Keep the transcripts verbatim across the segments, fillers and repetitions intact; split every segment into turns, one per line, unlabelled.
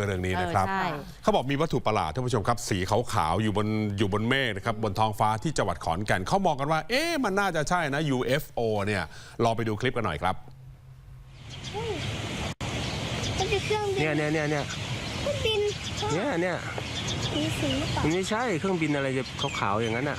เรื่องนี้นะครับเขาบอกมีวัตถุประหลาดท่านผู้ชมครับสีขาวๆอยู่บนอยู่บนเมฆนะครับบนท้องฟ้าที่จังหวัดขอนแก่นเขามองกันว่าเอ๊ะมันน่าจะใช่นะ ยู เอฟ โอ เนี่ยลองไปดูคลิปกันหน่อยครับ
มันเป็นเครื่องบิน
เนี่ยเนี่ยเนี่ยเนี่ย
เครื่องบิน
เนี่ยเนี่ย
มีสีหรือเปล่า
มันไม่ใช่เครื่องบินอะไรจะขาวๆอย่างนั้นอ่ะ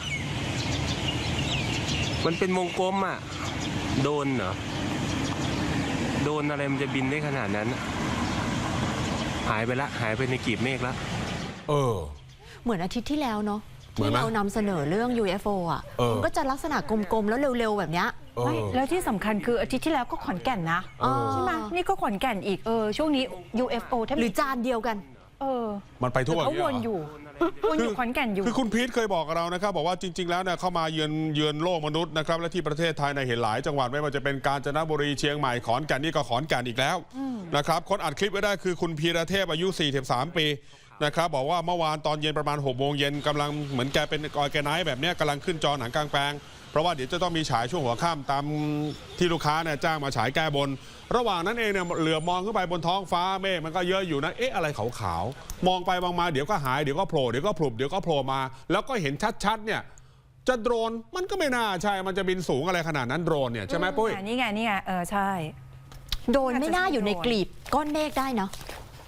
มันเป็นวงกลมอ่ะโดนเหรอโดนอะไรมันจะบินได้ขนาดนั้นหายไปละหายไปในกลีบเมฆละ
เออ
เหมือนอาทิตย์ที่แล้วเนาะที่เรานำเสนอเรื่อง ยู เอฟ โอ อ่ะมันก็จะลักษณะกลมๆแล้วเร็วๆแบบเนี้ย
ไม่แล้วที่สำคัญคืออาทิตย์ที่แล้วก็ขอนแก่นนะใช่ไหมนี่ก็ขอนแก่นอีกเออช่วงนี้ ยู เอฟ โอ
หรือจานเดียวกัน
เออ
มันไปทั่ว
เขาวนอยู่วนอยู่ขอนแก่นอยู่
คือคุณพีทเคยบอกกับเรานะครับบอกว่าจริงๆแล้วเนี่ยเข้ามาเยือนเยือนโลกมนุษย์นะครับและที่ประเทศไทยในเห็นหลายจังหวัดไม่ว่าจะเป็นกาญจนบุรีเชียงใหม่ขอนแก่นนี่ก็ขอนแก่นอีกแล้วนะครับคนอัดคลิปไว้ได้คือคุณพีระเทพอายุสี่สิบสามปีนะครับบอกว่าเมื่อวานตอนเย็นประมาณหกโมงเย็นกำลังเหมือนแกเป็นออร์แกไนซ์แบบนี้กำลังขึ้นจอหนังกลางแปลงเพราะว่าเดี๋ยวจะต้องมีฉายช่วงหัวค่ำตามที่ลูกค้าเนี่ยจ้างมาฉายแก้บนระหว่างนั้นเองเนี่ยเหลือบมองขึ้นไปบนท้องฟ้าเมฆมันก็เยอะอยู่นะเอ๊ะอะไรขาวๆมองไปมองมาเดี๋ยวก็หายเดี๋ยวก็โผล่เดี๋ยวก็พลุบเดี๋ยวก็โผล่มาแล้วก็เห็นชัดๆเนี่ยจะโดรนมันก็ไม่น่าใช่มันจะบินสูงอะไรขนาดนั้นโดรนเนี่ยใช่ไหมปุ้ย
นี่ไงนี่ไงเออใช่
โดรนไม่น่าอยู่ในกลีบก้อนเมฆได้เนาะ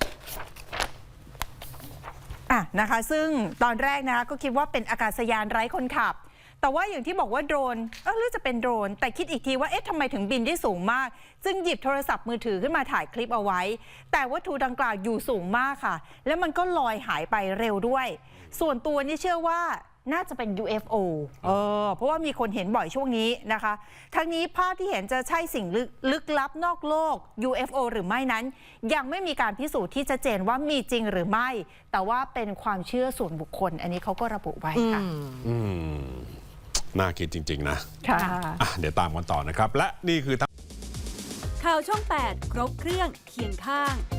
อ่ะนะคะซึ่งตอนแรกนะคะก็คิดว่าเป็นอากาศยานไร้คนขับแต่ว่าอย่างที่บอกว่าโดรนเออหรือจะเป็นโดรนแต่คิดอีกทีว่าเอ๊ะทำไมถึงบินได้สูงมากจึงหยิบโทรศัพท์มือถือขึ้นมาถ่ายคลิปเอาไว้แต่วัตถุดังกล่าวอยู่สูงมากค่ะแล้วมันก็ลอยหายไปเร็วด้วยส่วนตัวนี่เชื่อว่าน่าจะเป็น ยู เอฟ โอ เออเพราะว่ามีคนเห็นบ่อยช่วงนี้นะคะทั้งนี้ภาพที่เห็นจะใช่สิ่งลึกลึกลับนอกโลก ยู เอฟ โอ หรือไม่นั้นยังไม่มีการพิสูจน์ที่ชัดเจนว่ามีจริงหรือไม่แต่ว่าเป็นความเชื่อส่วนบุคคลอันนี้เขาก็ระบุไว้ค่ะ
อืมน่าคิดจริงๆนะ
ค่ะ
เดี๋ยวตามกันต่อนะครับและนี่คือ
ข่าวช่องแปดครบเครื่องเคียงข้าง